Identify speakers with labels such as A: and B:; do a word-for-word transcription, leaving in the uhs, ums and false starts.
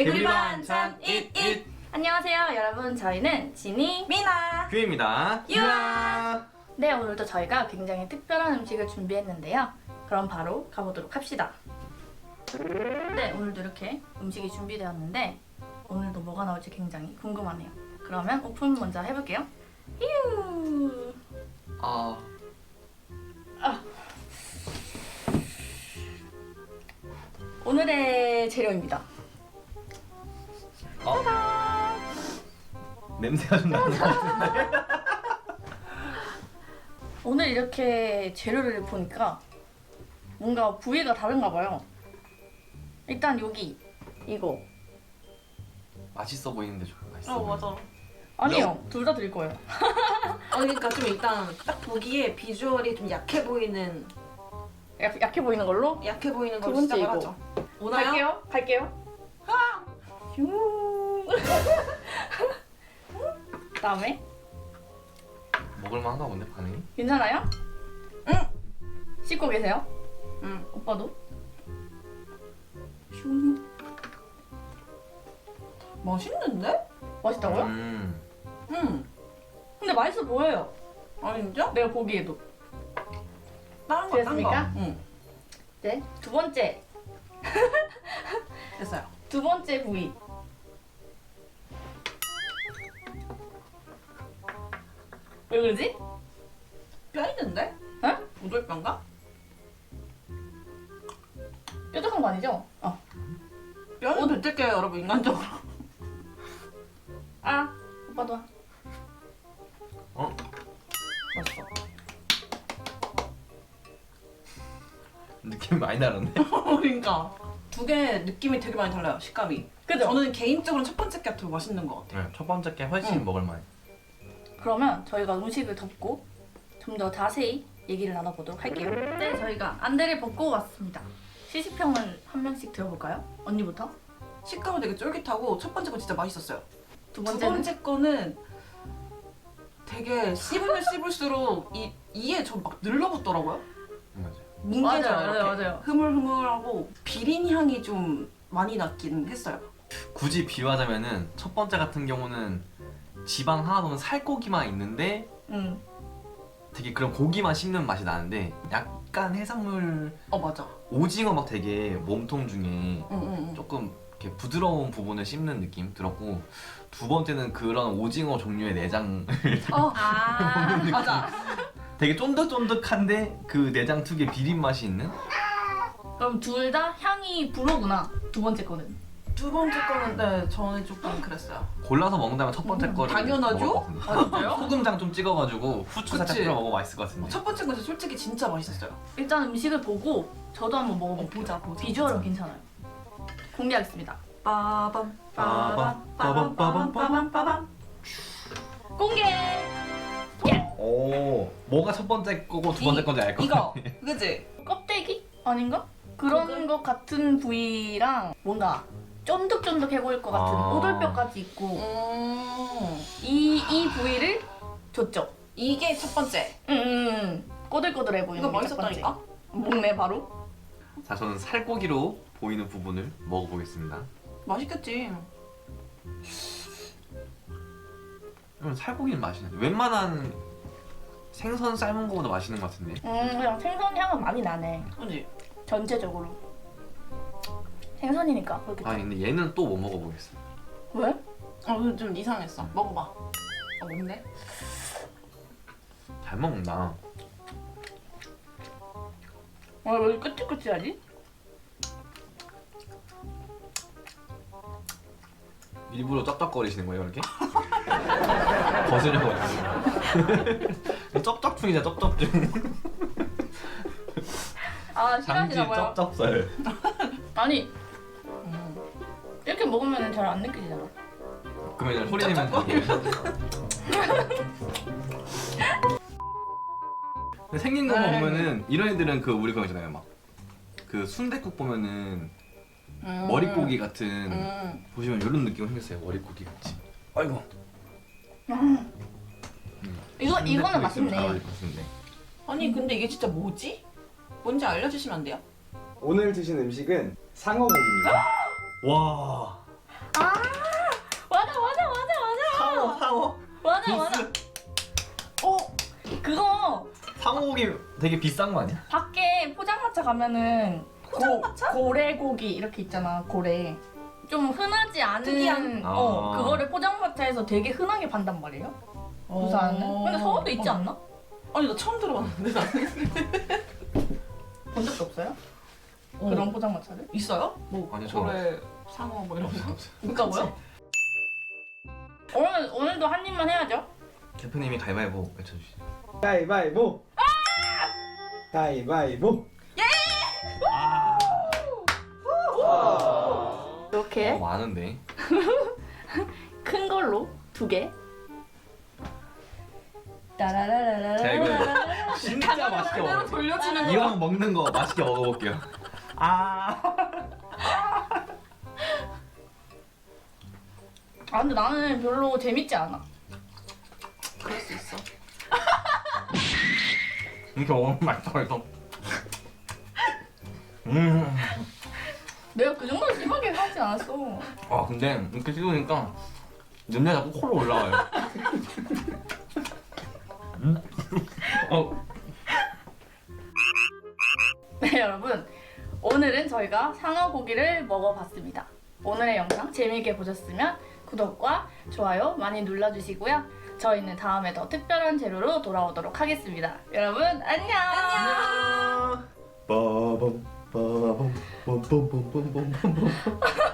A: 개구리 반찬 잇잇.
B: 안녕하세요 여러분, 저희는 지니,
A: 미나, 규입니다.
B: 유아. 네, 오늘도 저희가 굉장히 특별한 음식을 준비했는데요. 그럼 바로 가보도록 합시다. 네, 오늘도 이렇게 음식이 준비되었는데 오늘도 뭐가 나올지 굉장히 궁금하네요. 그러면 오픈 먼저 해볼게요. 휴.
A: 아,
B: 아. 오늘의 재료입니다.
A: 어? 냄새가 좀 나는 것 같은데.
B: 오늘 이렇게 재료를 보니까 뭔가 부위가 다른가 봐요. 일단 여기 이거.
A: 맛있어 보이는데 좀 맛있어.
C: 어 맞아.
B: 아니요, 둘 다 드릴 거예요.
C: 어, 그러니까 좀 일단 딱 보기에 비주얼이 좀 약해 보이는
B: 약, 약해 보이는 걸로
C: 약해 보이는
B: 두
C: 걸
B: 번째
C: 시작을
B: 이거.
C: 하죠. 오나요?
B: 갈게요. 갈게요. 휴. 그다음에
A: 먹을만한가 본데 반응이?
B: 괜찮아요?
C: 응.
B: 씻고 계세요?
C: 응.
B: 오빠도?
C: 슝. 맛있는데?
B: 맛있다고요?
A: 음.
C: 응.
B: 근데 맛있어 보여요.
C: 아니 진짜?
B: 내가 보기에도.
C: 다른 거, 다른 거.
B: 됐습니까?
C: 응.
B: 네. 두 번째.
C: 됐어요.
B: 두 번째 부위. 왜 그러지?
C: 뼈 있는데?
B: 어?
C: 오돌뼈인가?
B: 뾰족한 거 아니죠? 어.
C: 뼈는 뱉을게요 여러분 인간적으로.
B: 아, 오빠도 와.
A: 어?
C: 맛있어.
A: 느낌이 많이 다른데?
C: 그러니까 두 개 느낌이 되게 많이 달라요 식감이.
B: 그죠?
C: 저는 개인적으로 첫 번째 게 더 맛있는 것 같아요.
A: 네, 첫 번째 게 훨씬
C: 응.
A: 먹을만해.
B: 그러면 저희가 음식을 덮고 좀 더 자세히 얘기를 나눠보도록 할게요. 네, 저희가 안대를 벗고 왔습니다. 시식평을 한 명씩 들어볼까요? 언니부터?
C: 식감은 되게 쫄깃하고 첫 번째 거 진짜 맛있었어요.
B: 두
C: 두
B: 번째는?
C: 번째 거는 되게 씹으면 씹을수록 이 이에 좀 막 늘러붙더라고요.
A: 맞아.
C: 뭉개져요.
B: 맞아요,
C: 이렇게.
B: 맞아요, 맞아요.
C: 흐물흐물하고 비린 향이 좀 많이 났긴 했어요.
A: 굳이 비유하자면은 첫 번째 같은 경우는 지방 하나도는 살코기만 있는데
B: 응.
A: 되게 그런 고기만 씹는 맛이 나는데 약간 해산물
C: 어 맞아.
A: 오징어 막 되게 몸통 중에
C: 응응응.
A: 조금 이렇게 부드러운 부분을 씹는 느낌 들었고, 두 번째는 그런 오징어 종류의 내장을
C: 어
B: 아,
C: 맞아.
A: 되게 쫀득쫀득한데 그 내장 특유의 비린 맛이 있는?
B: 그럼 둘 다 향이 불어구나. 두 번째 거는.
C: 두 번째 거는 네 저는 조금 그랬어요.
A: 골라서 먹는다면 첫 번째
C: 음,
A: 거를
C: 당연하죠?
A: 먹을 것 같은데.
B: 아, 진짜요?
A: 소금장 좀 찍어가지고 후추 살짝
C: 그치.
A: 뿌려 먹으면 맛있을 것 같은데.
C: 첫 번째 거는 솔직히 진짜 맛있었어요.
B: 일단 음식을 보고 저도 한번 먹어볼게요.
C: 보자 보자.
B: 비주얼은 괜찮아요. 공개하겠습니다.
C: 빠밤
A: 빠밤, 빠밤, 빠밤, 빠밤,
C: 빠밤.
B: 공개!
A: 오, 뭐가 첫 번째 거고 두 번째 건지 알 것
C: 이거
A: 같아.
C: 그지?
B: 껍데기? 아닌가? 그런
C: 그거?
B: 것 같은 부위랑 뭔가 쫀득쫀득해 보일 것 같은
A: 아.
B: 오돌뼈까지 있고
C: 음
B: 이, 이 부위를 줬죠.
C: 이게 첫 번째.
B: 음, 음, 음. 꼬들꼬들해 보이는
C: 이거
B: 게첫 번째.
C: 맛있었다니까?
B: 먹네 바로.
A: 자, 저는 살코기로 보이는 부분을 먹어보겠습니다.
C: 맛있겠지.
A: 그럼 살코기는 맛있네. 웬만한 생선 삶은 거보다 맛있는 것 같은데.
B: 음, 그냥 생선 향은 많이 나네.
C: 그지?
B: 전체적으로. 생선이니까 그렇겠죠.
A: 아니 근데 얘는 또 못 먹어보겠어.
B: 왜?
C: 어, 근데 좀 이상했어. 먹어봐. 어, 뭔데?
A: 잘 먹는다.
B: 아, 왜 끄찔끄찔하지?
A: 일부러 쩝쩝거리시는 거예요, 이렇게? 거슬려가지고. 쩝쩝충이자 쩝쩝충.
B: 아,
A: 장지
B: 싫어하시나 봐요.
A: 쩝쩝살.
B: 아니,
C: 음.
B: 이렇게 먹으면 잘 안 느껴지잖아.
A: 그러면 이제 소리 내면 되게. 근데 생긴 거만
C: 에이.
A: 보면은 이런 애들은 그 우리 거 있잖아요, 막 그 순댓국 보면은
C: 음.
A: 머릿고기 같은
C: 음.
A: 보시면 이런 느낌 생겼어요, 머릿고기 같이. 아이고.
B: 음.
A: 음.
B: 이거 이거는
A: 순댓국 있으면 잘
B: 맛있네.
A: 어울릴 것 같은데.
C: 아니 근데 이게 진짜 뭐지? 뭔지 알려주시면 안 돼요?
D: 오늘 드신 음식은 상어고기입니다.
A: 와.
B: 아 맞아 맞아 맞아 맞아
A: 상어 상어.
B: 맞아 맞아.
C: 어?
B: 그거
A: 상어고기 되게 비싼 거 아니야?
B: 밖에 포장마차 가면은
C: 포장마차?
B: 고, 고래고기 이렇게 있잖아. 고래. 좀 흔하지 않은
C: 특이한?
B: 어
A: 아.
B: 그거를 포장마차에서 되게 흔하게 판단 말이에요. 부산은.
C: 어.
B: 근데 서울도 있지 않나?
C: 아니 나 처음 들어봤는데 나는.
B: 본 적도 없어요?
C: 어.
B: 그런 포장마차를?
C: 있어요? 뭐
A: 아니요, 저
C: 고래, 상어 뭐 이런 거?
B: 있다고요? 오늘 오늘도 한 입만 해야죠.
A: 대표님이 가위바위보 외쳐주시죠.
D: 가위바위보. 가위바위보.
B: 이렇게
A: 어, 많은데.
B: 큰 걸로 두 개. 따라라라라라.
A: 자, 이거 진짜 맛있게
C: 그대로
A: 먹어.
C: 돌려주는 거.
A: 이왕 먹는 거 맛있게 먹어볼게요. 아.
B: 아 근데 나는 별로 재밌지 않아.
C: 그럴 수 있어.
A: 이렇게 먹으면 맛있어 그래서. 음.
B: 내가 그 정도 심하게 하지 않았어.
A: 아 근데 이렇게 씹으니까 냄새 자꾸 코로 올라와요. 음. 어.
B: 네 여러분 오늘은 저희가 상어 고기를 먹어봤습니다. 오늘의 영상 재미있게 보셨으면 구독과 좋아요 많이 눌러주시고요. 저희는 다음에 더 특별한 재료로 돌아오도록 하겠습니다. 여러분 안녕.
D: 빠밤 빠밤 빰빰빰빰빰빰.